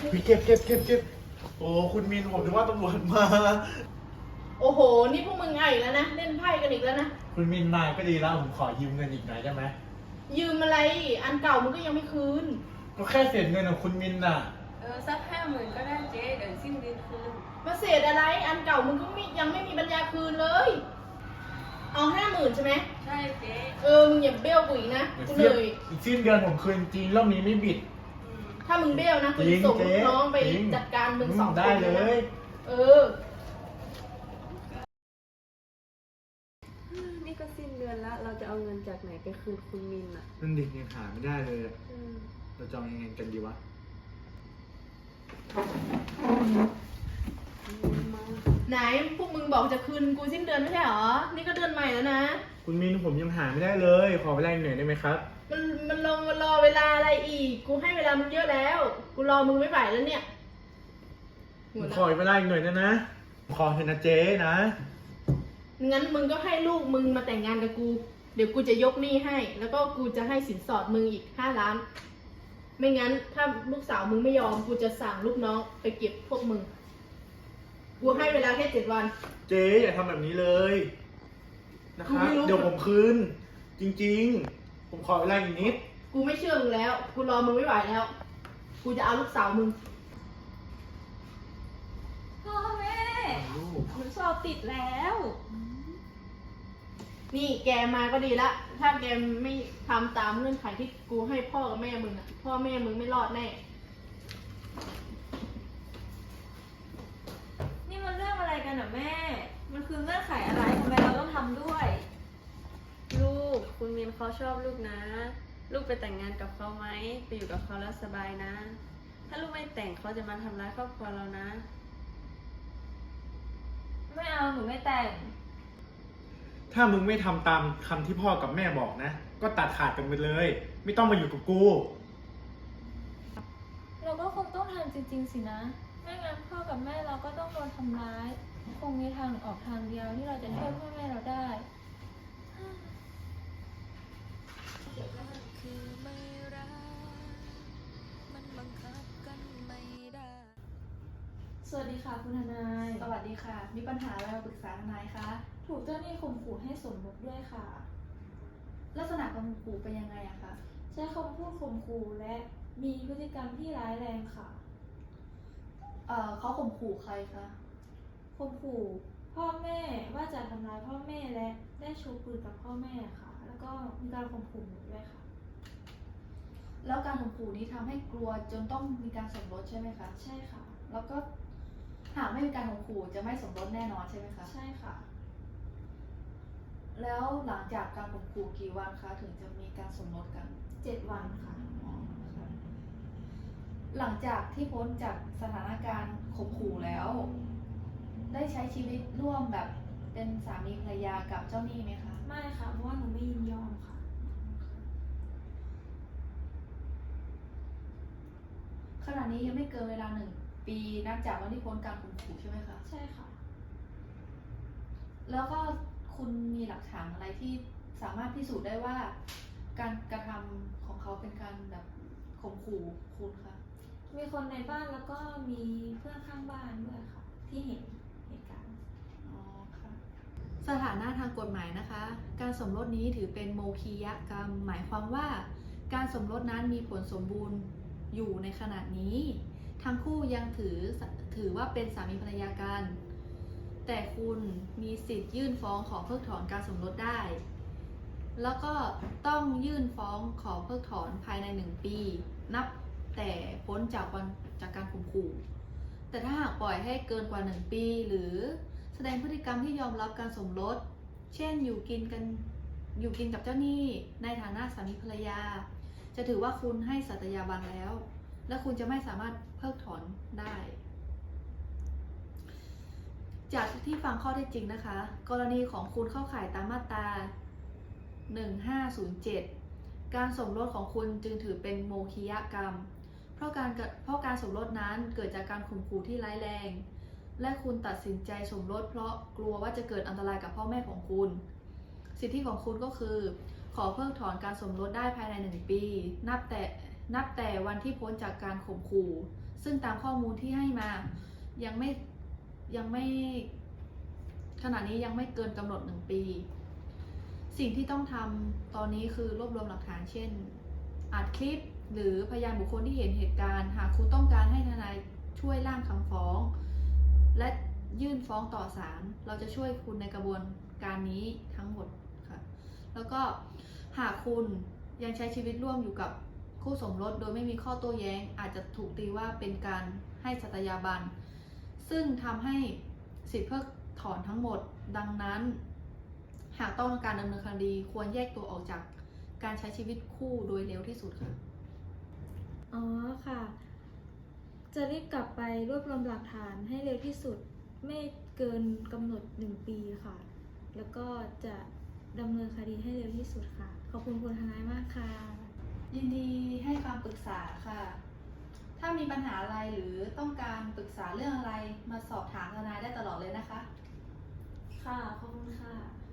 พี่เก็บโอ้คุณมินผมนึกว่าตำรวจมาโอ้โห นี่พวกมึงไงแล้วนะ เล่นไพ่กันอีกแล้วนะคุณมินนายก็ดีแล้วผมขอยืมเงินอีกหน่อยได้ไหมยืมอะไร อันเก่ามึงก็ยังไม่คืนก็แค่เศษเงินของคุณมินน่ะสัก50,000ก็ได้เจ๊เดี๋ยวสิ้นเดือนคืนมาเศษอะไร อันเก่ามึงก็ยังไม่มีปัญญาคืนเลย เอา50,000ใช่ไหมใช่เจ๊มึงอย่าเบี้ยวกูอีกนะกูเหนื่อยอีกสิ้นเดือนผมคืนจริงรอบนี้ไม่บิดถ้ามึงเบี้ยวนะกูจะส่งลูกน้องไปจัดการมึง2 คนได้เลยเออนี่ก็สิ้นเดือนละเราจะเอาเงินจากไหนไปคืนคุณมินอ่ะนั่นดิยังหาไม่ได้เลยอะเราจะเอายังไงกันดีวะไหนพวกมึงบอกจะคืนกูสิ้นเดือนไม่ใช่หรอ นี่ก็เดือนใหม่แล้วนะคุณมินผมยังหาไม่ได้เลย ขอเวลาอีกหน่อยได้ไหมครับมันรอเวลาอะไรอีก กูให้เวลามึงเยอะแล้ว กูรอมึงไม่ไหวแล้วเนี่ยผมขอเวลาอีกหน่อยนะขอเถอะนะเจ๊นะงั้นมึงก็ให้ลูกมึงมาแต่งงานกับกู เดี๋ยวกูจะยกหนี้ให้ แล้วก็กูจะให้สินสอดมึงอีก5 ล้าน ไม่งั้นถ้าลูกสาวมึงไม่ยอม กูจะสั่งลูกน้องไปเก็บพวกมึง กูให้เวลาแค่7 วันเจ๊อย่าทำแบบนี้เลยนะครับกูไม่รู้เดี๋ยวผมคืน จริงๆ ผมขอเวลาอีกนิดกูไม่เชื่อมึงแล้ว กูรอมึงไม่ไหวแล้ว กูจะเอาลูกสาวมึงพ่อแม่ลูกหนูสอบติดแล้วนี่แกมาก็ดีละ ถ้าแกไม่ทำตามเงื่อนไขที่กูให้พ่อกับแม่มึงอะพ่อแม่มึงไม่รอดแน่นี่มันเรื่องอะไรกันอ่ะแม่ มันคือเงื่อนไขอะไรทำไมเราต้องทำด้วย ลูกคุณมินเขาชอบลูกนะ ลูกไปแต่งงานกับเขาไหมไปอยู่กับเขาแล้วสบายนะ ถ้าลูกไม่แต่งเขาจะมาทำร้ายครอบครัวเรานะ ไม่เอาหนูไม่แต่งถ้ามึงไม่ทำตามคำที่พ่อกับแม่บอกนะ ก็ตัดขาดกันไปเลย ไม่ต้องมาอยู่กับกูเราก็คงต้องทำจริงๆสินะ ไม่งั้นพ่อกับแม่เราก็ต้องโดนทำร้าย คงมีทางออกทางเดียวที่เราจะช่วยพ่อแม่เราได้คือไม่รักมันบังคับกันไม่ได้สวัสดีค่ะคุณทนายสวัสดีค่ะ มีปัญหาอะไรมาปรึกษาทนายคะถูกเจ้าหนี้ข่มขู่ให้สมรสด้วยค่ะลักษณะการข่มขู่เป็นยังไงอะคะใช้คำพูดข่มขู่และมีพฤติกรรมที่ร้ายแรงค่ะเขาข่มขู่ใครคะข่มขู่พ่อแม่ว่าจะทำร้ายพ่อแม่และได้ชูปืนกับพ่อแม่ค่ะ แล้วก็มีการข่มขู่หนูด้วยค่ะแล้วการข่มขู่นี้ทำให้กลัวจนต้องมีการสมรสใช่ไหมคะใช่ค่ะแล้วก็หากไม่มีการข่มขู่จะไม่สมรสแน่นอนใช่ไหมคะใช่ค่ะแล้วหลังจากการข่มขู่กี่วันคะถึงจะมีการสมรสกัน 7 วันค่ะอ๋อค่ะหลังจากที่พ้นจากสถานการณ์ข่มขู่แล้ว ได้ใช้ชีวิตร่วมแบบเป็นสามีภรรยากับเจ้าหนี้ไหมคะไม่ค่ะ เพราะว่าหนูไม่ยินยอมค่ะขณะนี้ยังไม่เกินเวลา1 ปีนับจากวันที่พ้นการข่มขู่ใช่ไหมคะใช่ค่ะแล้วก็คุณมีหลักฐานอะไรที่สามารถพิสูจน์ได้ว่าการกระทำของเขาเป็นการแบบข่มขู่คุณคะมีคนในบ้านแล้วก็มีเพื่อนข้างบ้านด้วยค่ะ ที่เห็นเหตุการณ์อ๋อค่ะสถานะทางกฎหมายนะคะ การสมรสนี้ถือเป็นโมฆียกรรม หมายความว่า การสมรสนั้นมีผลสมบูรณ์อยู่ในขณะนี้ ทั้งคู่ยังถือว่าเป็นสามีภรรยากัน แต่คุณมีสิทธิ์ยื่นฟ้องขอเพิกถอนการสมรสได้ แล้วก็ต้องยื่นฟ้องขอเพิกถอนภายใน1 ปี นับแต่พ้นจากการข่มขู่ แต่ถ้าหากปล่อยให้เกินกว่า1 ปี หรือแสดงพฤติกรรมที่ยอมรับการสมรส เช่นอยู่กินกับเจ้าหนี้ในฐานะสามีภรรยา จะถือว่าคุณให้สัตยาบันแล้ว และคุณจะไม่สามารถเพิกถอนได้ จากที่ฟังข้อเท็จจริงนะคะ กรณีของคุณเข้าข่ายตามมาตรา 1507 การสมรสของคุณจึงถือเป็นโมฆียกรรม เพราะการสมรสนั้นเกิดจากการข่มขู่ที่ร้ายแรง และคุณตัดสินใจสมรสเพราะกลัวว่าจะเกิดอันตรายกับพ่อแม่ของคุณ สิทธิของคุณก็คือ ขอเพิกถอนการสมรสได้ภายใน1 ปี นับแต่วันที่พ้นจากการข่มขู่ซึ่งตามข้อมูลที่ให้มายังไม่ขณะนี้ยังไม่เกินกำหนด1 ปี สิ่งที่ต้องทำตอนนี้คือรวบรวมหลักฐานเช่นอัดคลิปหรือพยานบุคคลที่เห็นเหตุการณ์หากคุณต้องการให้ทนายช่วยร่างคำฟ้อง และยื่นฟ้องต่อศาลเราจะช่วยคุณในกระบวนการนี้ทั้งหมดค่ะแล้วก็หากคุณยังใช้ชีวิตร่วมอยู่กับคู่สมรสโดยไม่มีข้อโต้แย้งอาจจะถูกตีว่าเป็นการให้สัตยาบันซึ่งทำให้สิทธิเพิกถอนทั้งหมดดังนั้นหากต้องการดำเนินคดีควรแยกตัวออกจากการใช้ชีวิตคู่โดยเร็วที่สุดค่ะอ๋อค่ะ จะรีบกลับไปรวบรวมหลักฐานให้เร็วที่สุด ไม่เกินกำหนด1 ปีค่ะ แล้วก็จะดำเนินคดีให้เร็วที่สุดค่ะ ขอบคุณคุณทนายมากค่ะยินดีให้คำปรึกษาค่ะ ถ้ามีปัญหาอะไรหรือต้องการปรึกษาเรื่องอะไรมาสอบถามทนายได้ตลอดเลยนะคะค่ะ ขอบคุณค่ะ